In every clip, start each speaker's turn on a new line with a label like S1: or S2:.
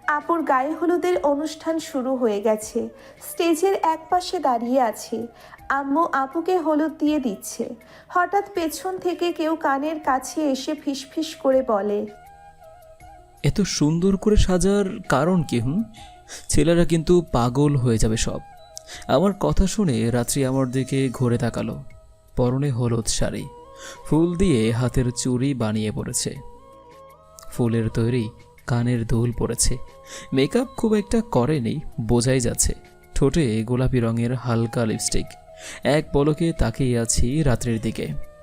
S1: আপুর গায়ে হলুদের অনুষ্ঠান শুরু হয়ে গেছে। স্টেজের এক পাশে দাঁড়িয়ে আছে। আম্মু আপুকে হলুদ দিয়ে দিচ্ছে। হঠাৎ পেছন থেকে কেউ কানের কাছে এসে ফিসফিস করে বলে,
S2: এত সুন্দর করে সাজার কারণ কি? ছেলেরা কিন্তু পাগল হয়ে যাবে সব। আমার কথা শুনে রাত্রি আমার দিকে ঘুরে তাকালো। পরনে হলুদ শাড়ি, ফুল দিয়ে হাতের চুড়ি বানিয়ে পড়েছে, ফুলের তৈরি কানের দুল পড়েছে। মেকআপ খুব একটা করেনি, বোঝাই যাচ্ছে। ঠোঁটে গোলাপি রঙের হালকা লিপস্টিক। এক পলকে তাকিয়ে আছি রাত্রির দিকে।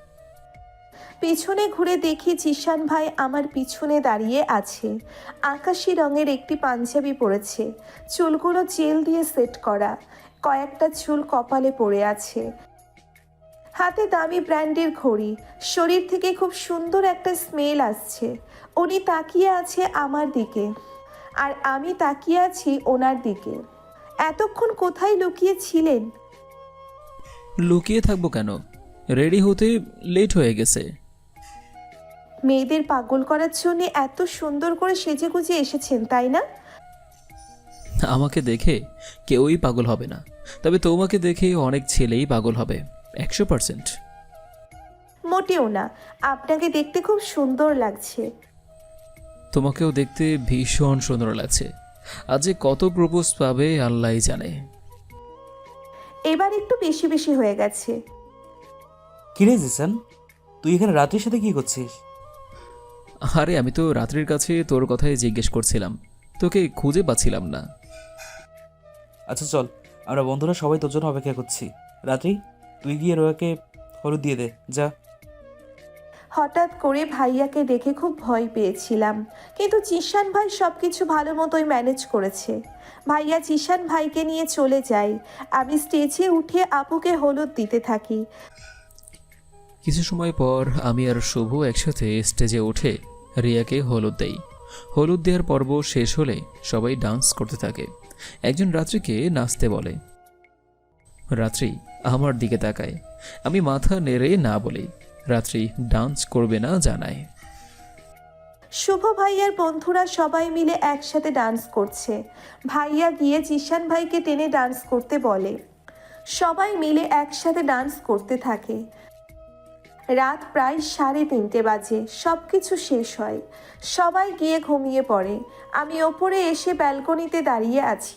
S1: পিছনে ঘুরে দেখি জিশান ভাই আমার পিছনে দাঁড়িয়ে আছে। আকাশি রঙের একটি পাঞ্জাবি পরেছে, চুলগুলো জেল দিয়ে সেট করা, কয়েকটা চুল কপালে পড়ে আছে, হাতে দামি ব্র্যান্ডের ঘড়ি। শরীর থেকে খুব সুন্দর একটা স্মেল আসছে। উনি তাকিয়ে আছে আমার দিকে, আর আমি তাকিয়ে আছি ওনার দিকে। এতক্ষণ কোথায় লুকিয়ে ছিলেন?
S2: লুকিয়ে থাকবো কেন? রেডি হতে লেট হয়ে গেছে।
S1: মেয়েদের পাগল করার জন্য এত সুন্দর করে সেজে গুজে এসেছেন, তাই না?
S2: আমাকে দেখে কেউই পাগল হবে না, তবে তোমাকে দেখে অনেক ছেলেই পাগল হবে, 100%।
S1: মোটেও না, আপনাকে দেখতে খুব সুন্দর লাগছে।
S2: তোমাকেও দেখতে ভীষণ সুন্দর লাগছে। আজ যে কত প্রপোজ পাবে আল্লাহই জানে।
S1: এবার একটু বেশি বেশি হয়ে গেছে।
S3: কিরে জিসান, তুই এখানে রাত্রির সাথে কি করছিস?
S2: আরে আমি তো রাত্রির কাছে তোর কথাই জিজ্ঞেস করছিলাম, তোকে খুঁজে পাচ্ছিলাম না।
S3: আচ্ছা চল, আমরা বন্ধুরা সবাই তোর জন্য অপেক্ষা করছি। রাত্রি, তুই গিয়ে রোয়াকে হলুদ দিয়ে দে, যা।
S1: হঠাৎ করে ভাইয়াকে দেখে খুব ভয় পেয়েছিলাম, কিন্তু জিশান ভাই সব কিছু ভালো মতোই ম্যানেজ করেছে। ভাইয়া জিশান ভাইকে নিয়ে চলে যায়। আমি স্টেজে উঠে আপুকে হলুদ দিতে থাকি।
S2: কিছু সময় পর আমি আর শুভ একসাথে স্টেজে উঠে রিয়াকে হলুদ দেই। হলুদ দেওয়ার পর্ব শেষ হলে সবাই ডান্স করতে থাকে। একজন রাত্রিকে নাচতে বলে। রাত্রি আমার দিকে তাকায়, আমি মাথা নেড়ে না বলি। রাত্রি ডান্স করবে না জানায়।
S1: শুভ ভাইয়ার বন্ধুরা সবাই মিলে একসাথে ডান্স করছে। ভাইয়া গিয়ে জিশান ভাইকে টেনে ডান্স করতে বলে। সবাই মিলে একসাথে ডান্স করতে থাকে। রাত প্রায় 3:30 বাজে। সব কিছু শেষ হয়, সবাই গিয়ে ঘুমিয়ে পড়ে। আমি ওপরে এসে ব্যালকনিতে দাঁড়িয়ে আছি।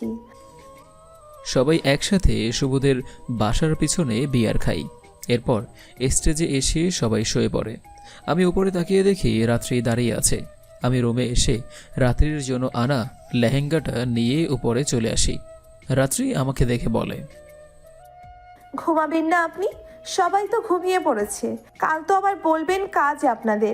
S2: সবাই একসাথে শুভদের বাসার পিছনে বিয়ার খাই। এরপর স্টেজে এসে সবাই শুয়ে পড়ে। আমি উপরে তাকিয়ে দেখি রাত্রি দাঁড়িয়ে আছে। আমি রুমে এসে রাত্রির জন্য আনা লেহেঙ্গাটা নিয়ে উপরে চলে আসি। রাত্রি আমাকে দেখে বলে,
S1: ঘুমাবেন না আপনি? সবাই তো ঘুমিয়ে পড়েছে, কাল তো আবার বলবেন কাজ আপনাদের।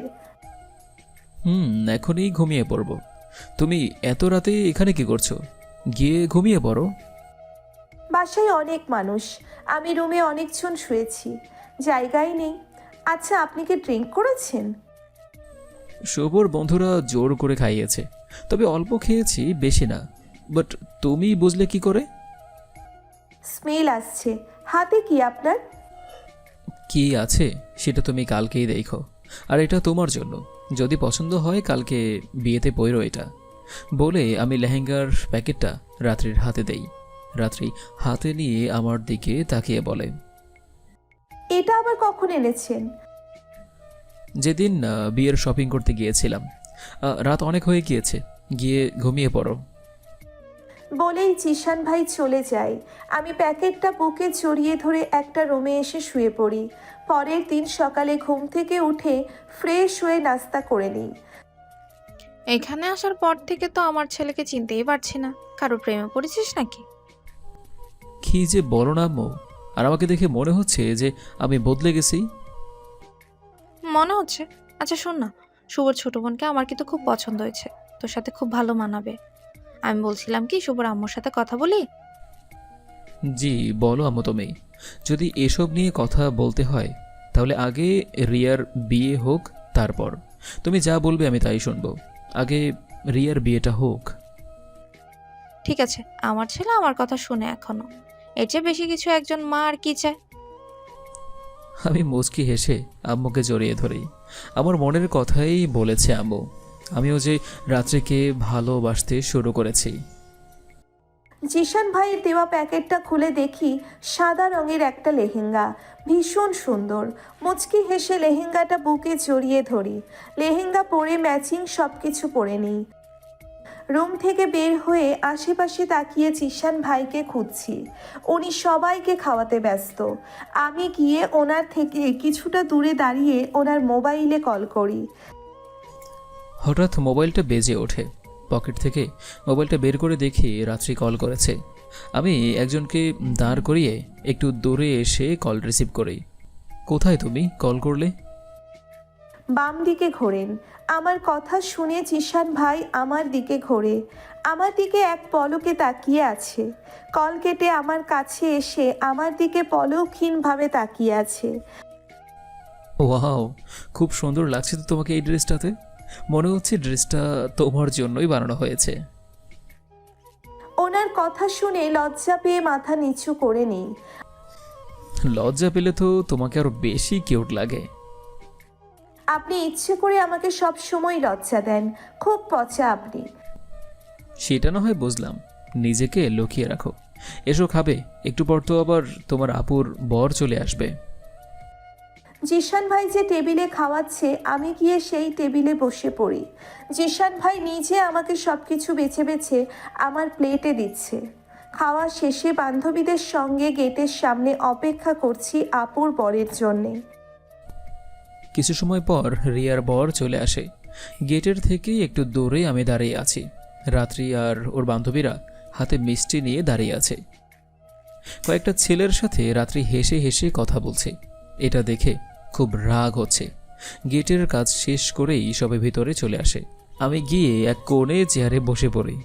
S2: এখনই ঘুমিয়ে পড়ব। তুমি এত রাতে এখানে কি করছো? গিয়ে ঘুমিয়ে পড়ো।
S1: বাসায় অনেক মানুষ, আমি রুমে অনেকজন শুয়েছি, জায়গাই নেই। আচ্ছা, আপনি কি ড্রিঙ্ক করেছেন?
S2: শুভর বন্ধুরা জোর করে খাইয়েছে, তবে অল্প খেয়েছি, বেশি না। বাট তুমি বুঝলে কি করে?
S1: স্মেল আসছে। হাতে কি আপনার?
S2: কি আছে সেটা তুমি কালকেই দেখো। আর এটা তোমার জন্য, যদি পছন্দ হয় কালকে বিয়েতে পরো এটা। বলে আমি লেহেঙ্গার প্যাকেটটা রাত্রির হাতে দেই। রাত্রি হাতে নিয়ে আমার দিকে তাকিয়ে বলে,
S1: এটা আবার কখন এনেছেন?
S2: যেদিন বিয়ের শপিং করতে গিয়েছিলাম। রাত অনেক হয়ে গিয়েছে, গিয়ে ঘুমিয়ে পড়ো।
S1: বলেই জিশান ভাই চলে যায়। আমি প্যাকেটটা বুকে জড়িয়ে ধরে একটা রুমে এসে শুয়ে পড়ি। পরের দিন সকালে ঘুম থেকে উঠে ফ্রেশ হয়ে নাস্তা করে নিই।
S4: এখানে আসার পর থেকে তো আমার ছেলেকে চিনতেই পারছি না। কারো প্রেমে পড়েছিস নাকি?
S2: কি যে বলো না আম্মু, আর আমাকে দেখে মনে হচ্ছে যে আমি বদলে গেছি।
S4: মনে হচ্ছে? আচ্ছা শোন না, শুভর ছোট বোনকে আমার কিন্তু খুব পছন্দ হয়েছে, তোর সাথে খুব ভালো মানাবে। আমি বলছিলাম কি, শুভর আম্মুর সাথে কথা বলি?
S2: জি বলো আম্মু তুমি। যদি এসব নিয়ে কথা বলতে হয় তাহলে আগে রিয়ার বিয়ে হোক, তারপর তুমি যা বলবে আমি তাই শুনবো। আগে রিয়ার বিয়েটা হোক।
S4: ঠিক আছে, আমার ছেলে আমার কথা শুনে এখনো। এর চেয়ে বেশি কিছু একজন মা আর কি চায়?
S2: আমি মুচকি হেসে আম্মুকে জড়িয়ে ধরি। আমার মনের কথাই বলেছে আম্মু। আমিও যে রাত্রিকে ভালোবাসতে শুরু করেছি।
S1: জিশান ভাইয়ের দেওয়া প্যাকেটটা খুলে দেখি সাদা রঙের একটা লেহেঙ্গা, ভীষণ সুন্দর। মুচকি হেসে লেহেঙ্গাটা বুকে জড়িয়ে ধরি। লেহেঙ্গা পরে ম্যাচিং সব কিছু পরে নিই। রুম থেকে বের হয়ে আশেপাশে তাকিয়ে জিশান ভাইকে খুঁজছি। উনি সবাইকে খাওয়াতে ব্যস্ত। আমি গিয়ে ওনার থেকে কিছুটা দূরে দাঁড়িয়ে ওনার মোবাইলে কল করি।
S2: হঠাৎ মোবাইলটা বেজে ওঠে। পকেট থেকে মোবাইলটা বের করে দেখি রাত্রি কল করেছে। আমি একজনকে দাঁড় করিয়ে একটু দূরে এসে কল রিসিভ করি। কোথায় তুমি? কল করলে?
S1: বাম দিকে ঘোরেন। আমার কথা শুনে জিশান ভাই আমার দিকে ঘোরে। আমার দিকে এক পলকে তাকিয়ে আছে। কল কেটে আমার কাছে এসে আমার দিকে পলকহীনভাবে তাকিয়ে আছে।
S2: ওয়াও, খুব সুন্দর লাগছে তো তোমাকে এই ড্রেসটাতে। মনে হচ্ছে ড্রেসটা তোমার জন্যই বানানো হয়েছে।
S1: ওনার কথা শুনে লজ্জা পেয়ে মাথা নিচু করে নিই।
S2: লজ্জা পেলে তো তোমাকে আরো বেশি কিউট লাগে।
S1: আপনি ইচ্ছে করে আমাকে সব সময় লজ্জা দেন, খুব পচা আপনি।
S2: সেটা না হয় বুঝলাম, নিজেকে লুকিয়ে রাখো। এসো খাবে, একটু পর তো আবার তোমার আপুর বর চলে আসবে।
S1: জিশান ভাই যে টেবিলে খাওয়াচ্ছে আমি গিয়ে সেই টেবিলে বসে পড়ি। জিশান ভাই নিজে আমাকে সব কিছু বেছে বেছে আমার প্লেটে দিচ্ছে। খাওয়া শেষে বান্ধবীদের সঙ্গে গেটের সামনে অপেক্ষা করছি আপুর বরের জন্যে।
S2: কিছু সময় পর রিয়ার বর চলে আসে। গেটের থেকেই একটু দূরে আমি দাঁড়িয়ে আছি। রাত্রি আর ওর বান্ধবীরা হাতে মিষ্টি নিয়ে দাঁড়িয়ে আছে। কয়েকটা ছেলের সাথে রাত্রি হেসে হেসে কথা বলছে। এটা দেখে খুব রাগ হচ্ছে। গেটের কাজ শেষ করেই সবে ভিতরে চলে আসে। আমি গিয়ে এক কোণে চেয়ারে বসে পড়ি।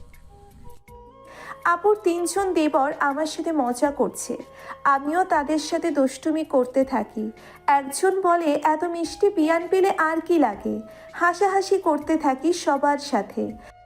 S1: আপুর তিনজন দেবর আমার সাথে মজা করছে, আমিও তাদের সাথে দুষ্টুমি করতে থাকি। একজন বলে, এত মিষ্টি বিয়ান পেলে আর কি লাগে। হাসাহাসি করতে থাকি সবার সাথে।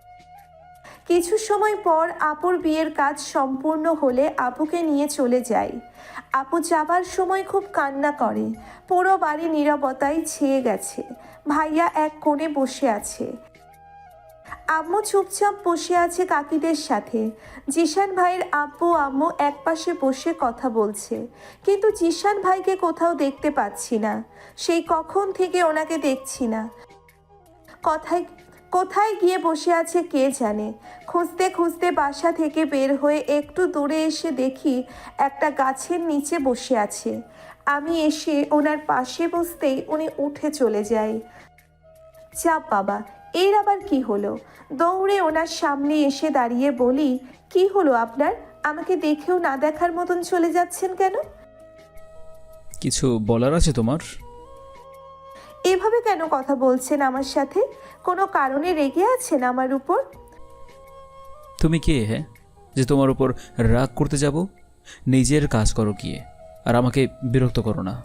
S1: কিছু সময় পর আপুর বিয়ের কাজ সম্পূর্ণ হলে আপুকে নিয়ে চলে যাই। আপু যাবার সময় খুব কান্না করে। পুরো বাড়ি নীরবতায় ছেয়ে গেছে। ভাইয়া এক কোণে বসে আছে। আম্মু চুপচাপ বসে আছে কাকিদের সাথে। জিশান ভাইয়ের আব্বু আম্মু একপাশে বসে কথা বলছে, কিন্তু জিশান ভাইকে কোথাও দেখতে পাচ্ছি না। সেই কখন থেকে ওনাকে দেখছি না। কথায় কোথায় গিয়ে বসে আছে কে জানে। খুঁজতে খুঁজতে বাসা থেকে বের হয়ে একটু দূরে এসে দেখি একটা গাছের নিচে বসে আছে। আমি এসে ওনার পাশে বসতেই উনি উঠে চলে যায়। চাপ বাবা, এর আবার কি হলো? দৌড়ে ওনার সামনে এসে দাঁড়িয়ে বলি, কি হলো আপনার? আমাকে দেখেও না দেখার মতন চলে যাচ্ছেন কেন?
S2: কিছু বলার আছে তোমার?
S1: এভাবে কেন কথা বলছেন আমার সাথে? কোনো কারণে রেগে আছেন আমার উপর?
S2: তুমি কে হ্যাঁ, যে তোমার উপর রাগ করতে যাব? নিজের কাজ করো গিয়ে, আর আমাকে বিরক্ত করো না।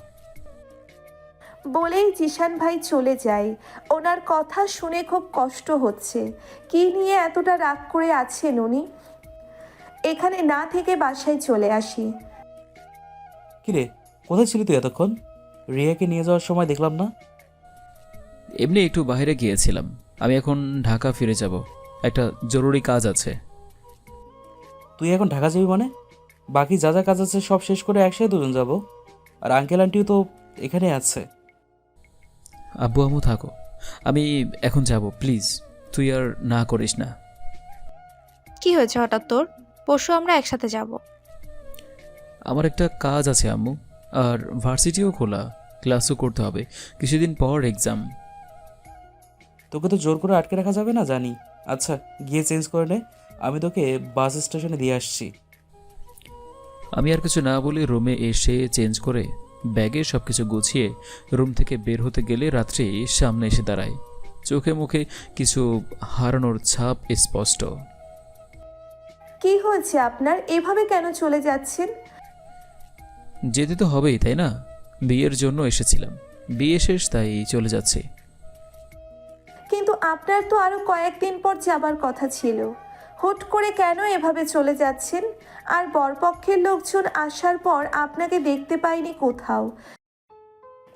S1: বলেই জিশান ভাই চলে যায়। ওনার কথা শুনে খুব কষ্ট হচ্ছে। কি নিয়ে এতটা রাগ করে আছেন উনি? এখানে না থেকে বাসায় চলে আসি।
S3: কিরে, কোথায় ছিলি তুই এতক্ষণ? রিয়াকে নিয়ে যাওয়ার সময় দেখলাম না।
S2: এমনি একটু বাইরে গিয়েছিলাম। আমি এখন ঢাকা ফিরে যাব, একটা জরুরি কাজ আছে।
S3: তুই এখন ঢাকা যাবি মানে? বাকি যা যা কাজ আছে সব শেষ করে একসাথে দুজন যাব। আর আঙ্কেল আন্টিও তো এখানে আছে।
S2: আব্বু আম্মু থাকো, আমি এখন যাব। প্লিজ তুই আর না করিস না।
S4: কি হয়েছে হঠাৎ তোর? পরশু আমরা একসাথে যাব।
S2: আমার একটা কাজ আছে আম্মু, আর ভার্সিটিও খোলা, ক্লাসও করতে হবে। কিছুদিন পর এক্সাম।
S3: তোকে তো জোর করে আটকে রাখা যাবে না জানি। আচ্ছা, গিয়ে চেঞ্জ করে নে, আমি তোকে বাস স্টেশনে দিয়ে আসছি।
S2: আমি আর কিছু না বলে রুমে এসে চেঞ্জ করে ব্যাগে সব কিছু গুছিয়ে রুম থেকে বের হতে গেলে রাত্রি সামনে এসে দাঁড়ায়। চোখে মুখে কিছু হারানোর ছাপ স্পষ্ট।
S1: কি হয়েছে আপনার? এভাবে কেন চলে যাচ্ছেন?
S2: যেতে তো হবেই, তাই না? বিয়ের জন্য এসেছিলাম, বিয়ে শেষ তাই চলে যাচ্ছে।
S1: কিন্তু আপনার তো আরো কয়েকদিন পর যাবার কথা ছিল। হুট করে কেন এভাবে চলে যাচ্ছেন? আর বরপক্ষের লোকজন আসার পর আপনাকে দেখতে পাইনি কোথাও।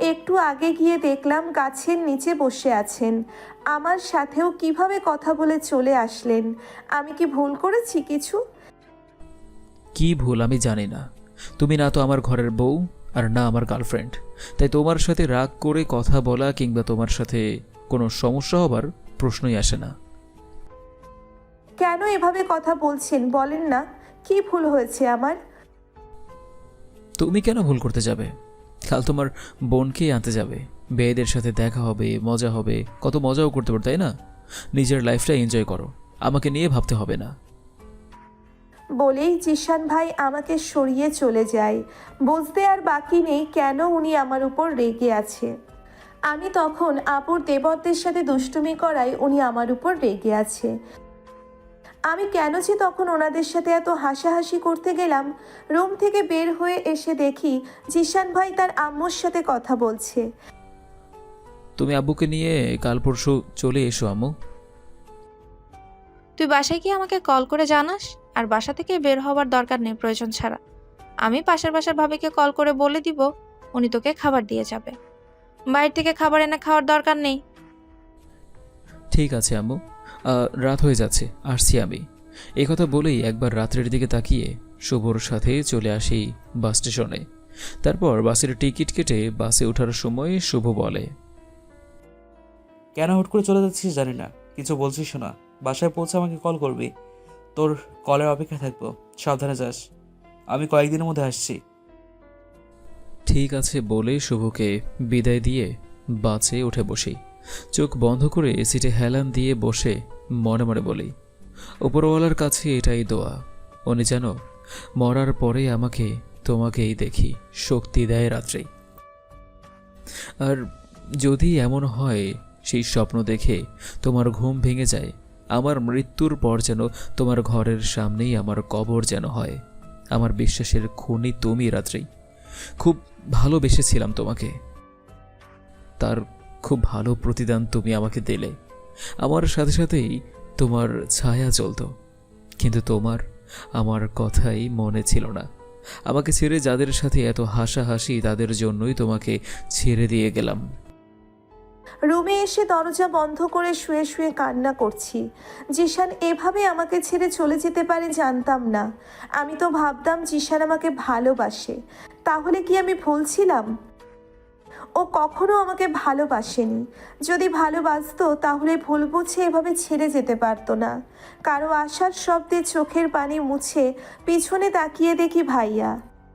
S1: একটু আগে গিয়ে দেখলাম গাছের নিচে বসে আছেন। আমার সাথেও কিভাবে কথা বলে চলে আসলেন? আমি কি ভুল করেছি কিছু?
S2: কি ভুল আমি জানি না। তুমি না তো আমার ঘরের বউ আর না আমার গার্লফ্রেন্ড, তাই তোমার সাথে রাগ করে কথা বলা কিংবা তোমার সাথে কোনো সমস্যা হবার প্রশ্নই আসে না।
S1: কেন এভাবে কথা বলছেন বলেন না? কি ভুল হয়েছে আমার?
S2: তুমি কেন ভুল করতে যাবে? কাল তোমার বোনকেই আনতে যাবে, মেয়েদের সাথে দেখা হবে, মজা হবে, কত মজাও করতে পারো, তাই না? নিজের লাইফটা এনজয় করো, আমাকে নিয়ে ভাবতে হবে না।
S1: বলেই জিশান ভাই আমাকে সরিয়ে চলে যায়। বুঝতে আর বাকি নেই কেন উনি আমার উপর রেগে আছে। আমি তখন আপুর দেবরদের সাথে দুষ্টুমি করায় উনি আমার উপর রেগে আছে। আমি কেন যে তখন ওনাদের সাথে এত হাসাহাসি করতে গেলাম। রুম থেকে বের হয়ে এসে দেখি জিশান ভাই তার আম্মুর সাথে কথা বলছে।
S2: তুমি আব্বুকে নিয়ে কাল পরশু চলে এসো আম্মু।
S4: তুই বাসায় গিয়ে আমাকে কল করে জানাস, আর বাসা থেকে বের হওয়ার দরকার নেই প্রয়োজন ছাড়া। আমি পাশের বাসার ভাবিকে কল করে বলে দিব, উনি তোকে খাবার দিয়ে যাবে। বাইরে থেকে খাবার এনে খাওয়ার দরকার নেই।
S2: ঠিক আছে আম্মু, রাত হয়ে যাচ্ছে, আসছি আমি। এই কথা বলেই একবার রাত্রের দিকে তাকিয়ে শুভর সাথে চলে আসি বাস স্টেশনে। তারপর বাসের টিকিট কেটে বাসে ওঠার সময় শুভ বলে,
S3: কেন হুট করে চলে যাচ্ছিস জানি না, কিছু বলছিস না। বাসায় পৌঁছে আমাকে কল করবি, তোর কলের অপেক্ষা থাকবো। সাবধানে যাস, আমি কয়েকদিনের মধ্যে আসছি।
S2: ঠিক আছে বলে শুভকে বিদায় দিয়ে বাসে উঠে বসি। চোখ বন্ধ করে সিটে হেলান দিয়ে বসে মনে মনে বলি, উপরওয়ালার কাছে এটাই দোয়া, উনি যেন মরার পরে আমাকে তোমাকেই দেখি, শক্তি দেয় রাত্রে। আর যদি এমন হয় সেই স্বপ্ন দেখে তোমার ঘুম ভেঙে যায়, আমার মৃত্যুর পর যেন তোমার ঘরের সামনেই আমার কবর যেন হয়। আমার বিশ্বাসের খুনি তুমি রাত্রি। খুব ভালোবেসেছিলাম তোমাকে, তার খুব ভালো প্রতিদান তুমি আমাকে দিলে। আমার সাথে সাথেই তোমার ছায়া চলত, কিন্তু তোমার আমার কথাই মনে ছিল না। আমাকে ছেড়ে যাদের সাথে এত হাসাহাসি, তাদের জন্যই তোমাকে ছেড়ে দিয়ে গেলাম।
S1: রুমে এসে দরজা বন্ধ করে শুয়ে শুয়ে কান্না করছি। জিশান এভাবে আমাকে ছেড়ে চলে যেতে পারে জানতাম না। আমি তো ভাবতাম জিশান আমাকে ভালোবাসে। তাহলে কি আমি ভুল ছিলাম? ও কখনো আমাকে ভালোবাসেনি। যদি ভালোবাসতো তাহলে ভুল বুঝে এভাবে ছেড়ে যেতে পারতো না। কারো আশার শব্দে চোখের পানি মুছে পিছনে তাকিয়ে দেখি ভাইয়া।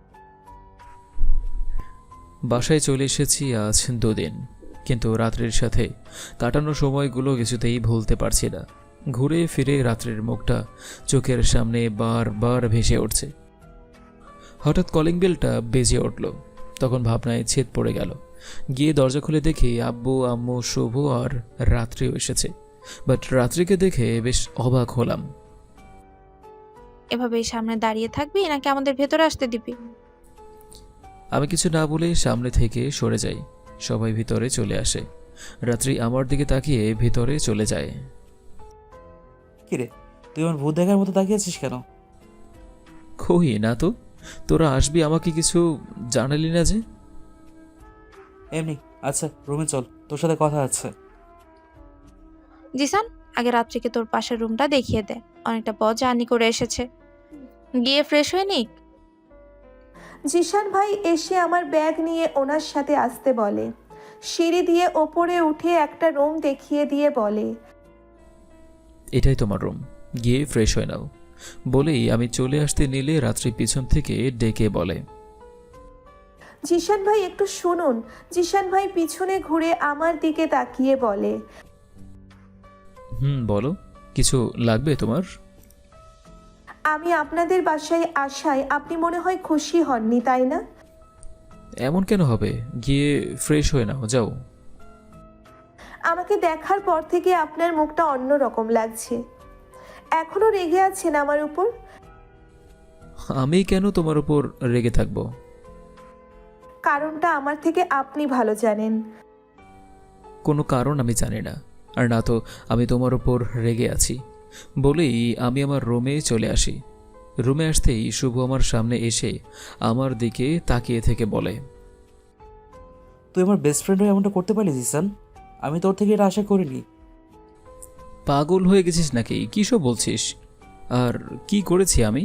S2: বাসায় চলে এসেছি আজ 2 দিন, কিন্তু রাত্রির সাথে কাটানো সময়গুলো কিছুতেই ভুলতে পারছি না। ঘুরে ফিরে রাত্রির মুখটা চোখের সামনে বারবার ভেসে উঠছে। হঠাৎ কলিং বেলটা বেজে উঠল, তখন ভাবনায় ছেদ পড়ে গেল। গিয়ে দরজা খুলে দেখি আব্বু, আম্মু, শুভ আর রাত্রিও এসেছে। বাট রাত্রিকে দেখে বেশ অবাক হলাম।
S4: এভাবেই সামনে দাঁড়িয়ে থাকবি নাকি আমাদের ভেতরে আসতে দিবি?
S2: আমি কিছু না বলে সামনে থেকে সরে যাই। সবাই ভিতরে চলে আসে। রাত্রি আমার দিকে তাকিয়ে ভিতরে চলে যায়।
S3: কিরে, তুই আমার ভূত দেখার মতো তাকিয়েছিস কেন?
S2: কই না তো, তোরা আসবি আমাকে কিছু জানালি না যে?
S3: এমনি। আচ্ছা রুমে চল, তোর সাথে কথা আছে।
S4: জিসান, আগে রাত্রিকে তোর পাশের রুমটা দেখিয়ে দে, অনেকটা পথ জার্নি করে এসেছে। গিয়ে ফ্রেশ হয়ে নিক।
S1: জিশান ভাই এসে আমার ব্যাগ নিয়ে ওনার সাথে আসতে বলে। সিঁড়ি দিয়ে ওপরে উঠে একটা রুম দেখিয়ে দিয়ে বলে,
S2: এটাই তোমার রুম, গিয়ে ফ্রেশ হয়ে নাও। বলেই আমি চলে আসতে নিলে রাত্রি পিছন থেকে ডেকে বলে,
S1: জিশান ভাই একটু শুনুন। জিশান ভাই পিছনে ঘুরে আমার দিকে তাকিয়ে বলে,
S2: বলো, কিছু লাগবে তোমার?
S1: আমি আপনাদের বাসায় আসায় আপনি মনে হয় খুশি হননি, তাই না?
S2: এমন কেন হবে, গিয়ে ফ্রেশ হয়ে নাও, যাও।
S1: আমাকে দেখার পর থেকে আপনার মুখটা অন্যরকম লাগছে। এখনো রেগে আছেন আমার উপর?
S2: আমি কেন তোমার উপর রেগে থাকবো?
S1: কারণটা আমার থেকে আপনি ভালো জানেন।
S2: কোনো কারণ আমি জানি না, আর না তো আমি তোমার উপর রেগে আছি। বলেই আমি আমার রুমে চলে আসি। রুমে আসতেই শুভ আমার সামনে এসে আমার দিকে তাকিয়ে থেকে বলে,
S3: তুই আমার বেস্ট ফ্রেন্ড হয়ে এমনটা করতে পারলি জিসান? আমি তোর থেকে এটা আশা করিনি।
S2: পাগল হয়ে গেছিস নাকি? কী সব বলছিস? আর কি করেছি আমি?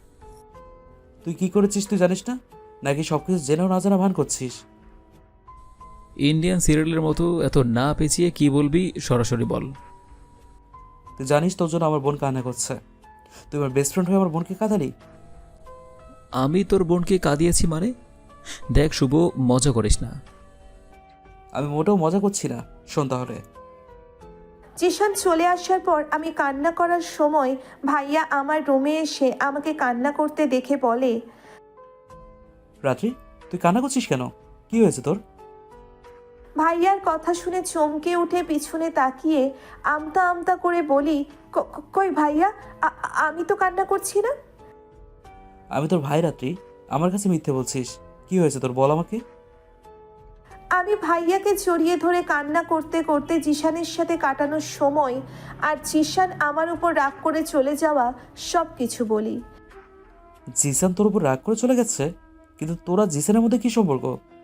S3: তুই কি করেছিস তুই জানিস না? নাকি সব কিছু জেনেও না জানা ভান করছিস?
S2: ইন্ডিয়ান সিরিয়ালের মতো এত না পেঁচিয়ে কি বলবি সরাসরি বল।
S3: তুই জানিস তোর জন্য আমার বোন কান্না করছে। তুই আমার বেস্ট ফ্রেন্ড হয়ে আমার বোনকে কাঁদালি।
S2: আমি তোর বোনকে কাঁদিয়েছি মানে? দেখ শুভ, মজা করিস না।
S3: আমি মোটেও মজা করছি না। শোন তাহলে।
S1: জিশান চলে আসার পর আমি কান্না করার সময় ভাইয়া আমার রুমে এসে আমাকে কান্না করতে দেখে বলে,
S3: রাত্রি, তুই কান্না করছিস কেন? কি হয়েছে তোর?
S1: ভাইয়ার কথা শুনে চমকে উঠে পিছনে তাকিয়ে আমতা আমতা করে বলি, কই ভাইয়া, আমি তো কান্না করছি না।
S3: আমি তোর ভাই রাত্রি, আমার কাছে মিথ্যে বলছিস। কি হয়েছে তোর, বল আমাকে।
S1: আমি ভাইয়াকে জড়িয়ে ধরে কান্না করতে করতে জিশানের সাথে কাটানোর সময় আর জিশান আমার উপর রাগ করে চলে যাওয়া সব কিছু বলি।
S3: জিসান তোর উপর রাগ করে চলে গেছে? কিন্তু তোরা জিসানের মধ্যে কি সম্পর্ক?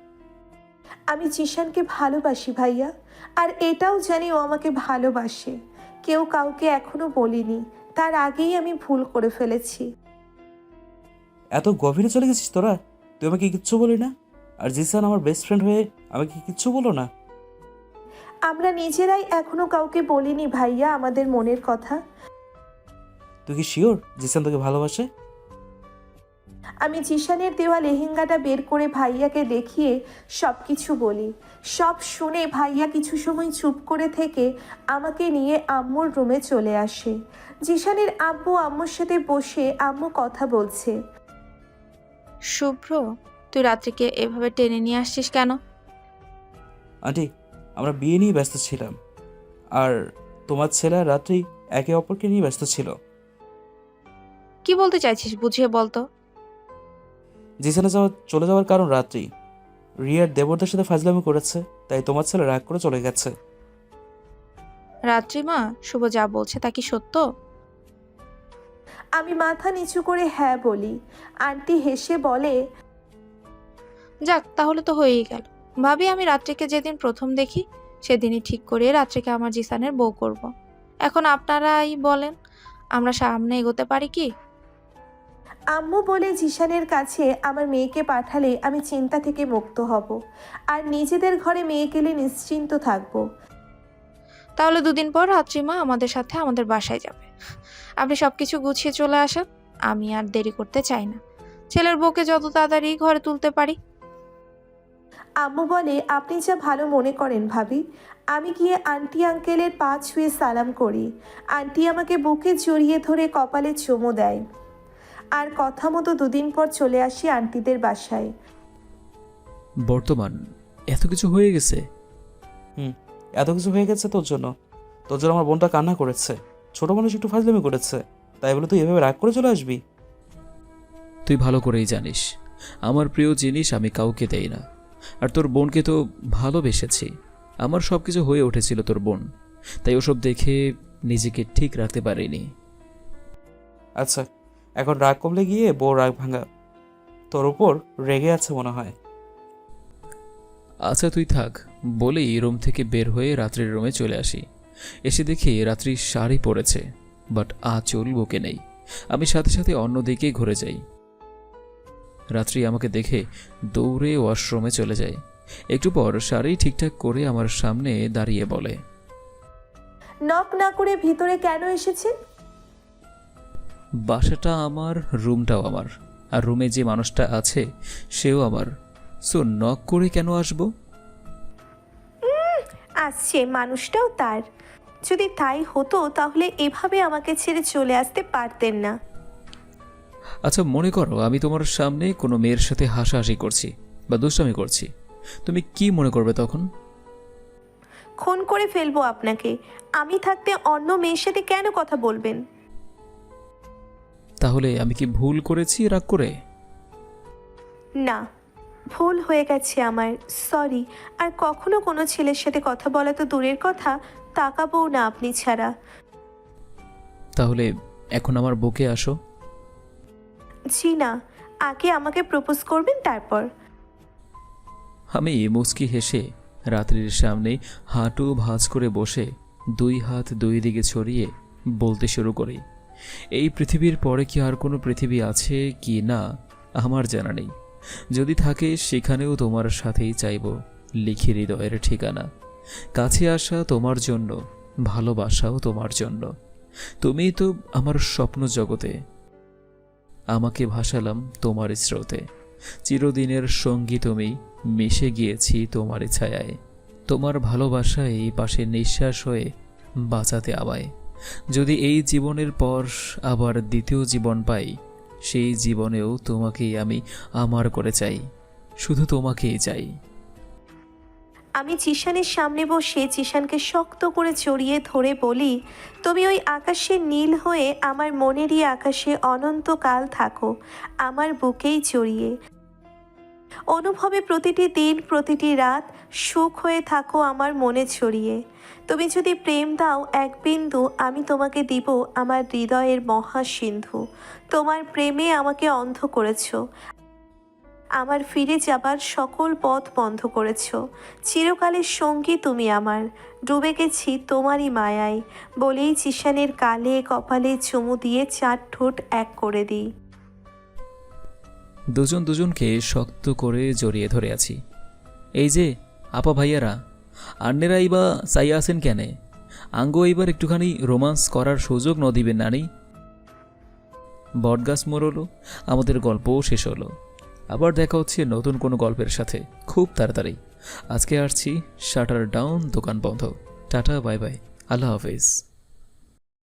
S1: আমি জিশানকে ভালোবাসি ভাইয়া, আর এটাও জানি ও আমাকে ভালোবাসে। কেউ কাউকে এখনো বলিনি, তার আগেই আমি ভুল করে ফেলেছি।
S3: এত গভীরে চলে গেছিস তোরা? তুই আমাকে কিচ্ছু বলি না, আর জিসান আমার বেস্ট ফ্রেন্ড হয়ে আমাকে কিচ্ছু বলো না?
S1: আমরা নিজেরাই এখনো কাউকে বলিনি ভাইয়া আমাদের মনের কথা।
S3: তুই কি শিওর জিসান তোকে ভালোবাসে?
S1: আমি জিশানের দেওয়া লেহেঙ্গাটা বের করে ভাইয়াকে দেখিয়ে সব কিছু বলি। সব শুনে ভাইয়া কিছু সময় চুপ করে থেকে আমাকে নিয়ে আম্মুর রুমে চলে আসে। জিশানের আব্বু আম্মুর সাথে বসে আম্মু কথা বলছে।
S4: শুভ্র, তুই রাত্রিকে এভাবে টেনে নিয়ে আসছিস কেন?
S3: আন্টি, আমরা বিয়ে নিয়ে ব্যস্ত ছিলাম, আর তোমার ছেলে আর রাত্রি একে অপরকে নিয়ে ব্যস্ত ছিল।
S4: কি বলতে চাইছিস বুঝিয়ে বলতো।
S3: জিসানে চলে যাওয়ার কারণ রাত্রি রিয়ার দেবরদের সাথে ফাজলামি করেছে, তাই তোমার ছেলে রাগ করে চলে গেছে।
S4: রাত্রি মা, শুভ যা বলছে তা কি সত্য?
S1: আমি মাথা নিচু করে হ্যাঁ বলি। আন্টি হেসে বলে,
S4: যাক, তাহলে তো হয়েই গেল। ভাবি, আমি রাত্রিকে যেদিন প্রথম দেখি সেদিনই ঠিক করিয়ে রাত্রিকে আমার জিসানের বউ করব। এখন আপনারাই বলেন, আমরা সামনে এগোতে পারি কি?
S1: আম্মু বলে জিশানের কাছে আমার মেয়েকে পাঠালে আমি চিন্তা থেকে মুক্ত হব, আর নিজেদের ঘরে মেয়ে গেলে নিশ্চিন্ত থাকবো।
S4: তাহলে দুদিন পর রাত্রিমা আমাদের সাথে আমাদের বাসায় যাবে। আপনি সবকিছু গুছিয়ে চলে আসেন, আমি আর দেরি করতে চাই না। ছেলের বউকে যত তাড়াতাড়ি ঘরে তুলতে পারি।
S1: আম্মু বলে, আপনি যা ভালো মনে করেন ভাবি। আমি গিয়ে আন্টি আঙ্কেলের পা ছুঁয়ে সালাম করি। আন্টি আমাকে বুকে জড়িয়ে ধরে কপালে চুমু দেয়। আর কথা মতো দুদিন পর চলে আসি আন্টিদের বাসায়।
S2: বর্তমান এত কিছু হয়ে গেছে?
S3: এত কিছু হয়ে গেছে তোর জন্য। তোর জন্য আমার বোনটা কান্না করেছে। ছোট মানুষ একটু ফাজলামি করেছে, তাই বলে তুই এভাবে রাগ করে চলে আসবি?
S2: তুই ভালো করেই জানিস আমার প্রিয় জিনিস আমি কাউকে দেই না। আর তোর বোনকে তো ভালোবেসেছি। আমার সব কিছু হয়ে উঠেছিল তোর বোন, তাই ওসব দেখে নিজেকে ঠিক রাখতে পারিনি।
S3: আচ্ছা, এখন রাগ কমলে গিয়ে বউ রাগ ভাঙা। তোর উপর রেগে আছে মনে হয়।
S2: আচ্ছা তুই থাক বলেই রুম থেকে বের হয়ে রাত্রির রুমে চলে আসি। এসে দেখি রাত্রি শাড়ি পরেছে, বাট আঁচল বুকে নেই। আমি সাথে সাথে অন্যদিকে ঘুরে যাই। রাত্রি আমাকে দেখে দৌড়ে ওয়াশরুমে চলে যায়। একটু পর শাড়ি ঠিকঠাক করে আমার সামনে দাঁড়িয়ে বলে,
S1: নক না করে ভিতরে কেন এসেছেন?
S2: বাসাটা আমার, রুমটাও আমার, আর রুমে যে মানুষটা আছে সেও আমার। সো নক করে কেন আসবো?
S1: আসছে, মানুষটাও তার। যদি তাই হতো তাহলে এভাবে আমাকে ছেড়ে চলে আসতে পারতেন না।
S2: আচ্ছা মনে করো আমি তোমার সামনে কোনো মেয়ের সাথে হাসাহাসি করছি বা দুষ্টামি করছি, তুমি কি মনে করবে তখন?
S1: খুন করে ফেলবো আপনাকে। আমি থাকতে অন্য মেয়ের সাথে কেন কথা বলবেন?
S2: তাহলে আমি কি ভুল করেছি রাগ করে?
S1: না, ভুল হয়ে গেছে আমার, সরি। আর কখনো কোনো ছেলের সাথে কথা বলা তো দূরের কথা, তাকাবও না আপনি ছাড়া।
S2: তাহলে এখন আমার বুকে আসো।
S1: জি না, আগে আমাকে প্রপোজ করবেন তারপর।
S2: আমি মুচকি হেসে রাত্রির সামনে হাঁটু ভাঁজ করে বসে 2 হাত 2 দিকে ছড়িয়ে বলতে শুরু করি, এই পৃথিবীর পরে কি আর কোনো পৃথিবী আছে কি না আমার জানা নেই। যদি থাকে সেখানেও তোমার সাথেই চাইব লিখি হৃদয়ের ঠিকানা। কাছে আসা তোমার জন্য, ভালোবাসাও তোমার জন্য। তুমিই তো আমার স্বপ্ন জগতে, আমাকে ভাসালাম তোমার স্রোতে। চিরদিনের সঙ্গী তুমি, মিশে গিয়েছি তোমার ছায়ায়। তোমার ভালোবাসায় এই পাশে নিঃশ্বাস হয়ে বাঁচাতে আমায়। যদি এই জীবনের পর আবার দ্বিতীয় জীবন পাই, সেই জীবনেও তোমাকেই আমি আমার করে চাই, শুধু তোমাকেই চাই।
S1: আমি জিশানের সামনে বসে জিশানকে শক্ত করে জড়িয়ে ধরে বলি, তুমি ওই আকাশের নীল হয়ে আমার মনেরই আকাশে অনন্তকাল থাকো, আমার বুকেই জড়িয়ে। অনুভবে প্রতিটি দিন প্রতিটি রাত সুখ হয়ে থাকো আমার মনে ছড়িয়ে। তুমি যদি প্রেম দাও এক বিন্দু, আমি তোমাকে দিব আমার হৃদয়ের মহাসিন্ধু। তোমার প্রেমে আমাকে অন্ধ করেছো, আমার ফিরে যাবার সকল পথ বন্ধ করেছ। চিরকালের সঙ্গী তুমি আমার, ডুবে গেছি তোমারই মায়ায়। বলেই জিশানের গালে কপালে চুমু দিয়ে 4 ঠোঁট এক করে দিই।
S2: দুজন দুজনকে শক্ত করে জড়িয়ে ধরে আছি। এই যে আপা ভাইয়ারা, আন্নেরাই বা চাইয়া আছেন কেনে? আঙ্গো এইবার একটুখানি রোমান্স করার সুযোগ ন দিবেন নানি? বটগাছ মোড়লো, আমাদের গল্পও শেষ হলো। আবার দেখা হচ্ছে নতুন কোনো গল্পের সাথে খুব তাড়াতাড়ি। আজকে আসছি শাটার ডাউন, দোকান বন্ধ। টাটা, বাই বাই, আল্লাহ হাফেজ।